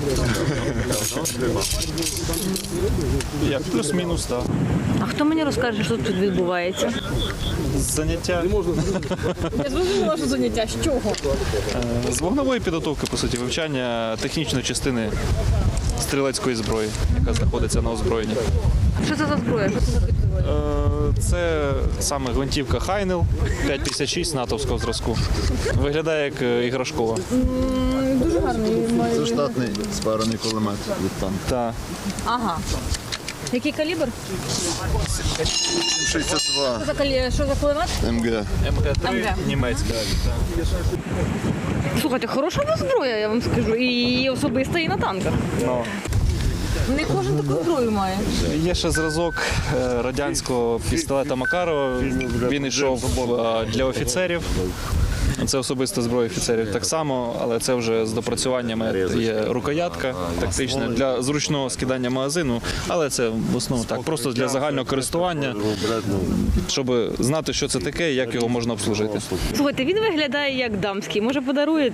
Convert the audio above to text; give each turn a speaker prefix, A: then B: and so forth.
A: Як плюс-мінус, так.
B: А хто мені розкаже, що тут відбувається?
A: Заняття
B: Я зрозуміла, що заняття. З чого?
A: з вогневої підготовки, по суті, вивчання технічної частини стрілецької зброї, яка знаходиться на озброєнні.
B: Що це за зброя? Що це за підзброя?
A: Це саме гвинтівка Хайнел 5,56 натовського зразку. Виглядає як іграшкова.
B: Дуже гарний.
C: Це штатний спарений кулемет від танка.
A: Та
B: Ага. Який калібр?
C: 62
B: Що за кулемет?
C: МГ.
A: МГ-3 німецька.
B: Слухайте, хороша у вас зброя, я вам скажу. І особиста, і на танках.
A: Ну,
B: Не кожен таку зброю має.
A: є ще зразок радянського пістолета Макарова. Він йшов для офіцерів. Це особиста зброя офіцерів так само, але це вже з допрацюваннями. Є рукоятка тактична для зручного скидання магазину, але це в основному так, просто для загального користування, щоб знати, що це таке і як його можна обслужити.
B: Слухайте, він виглядає як дамський. Може, подаруєте?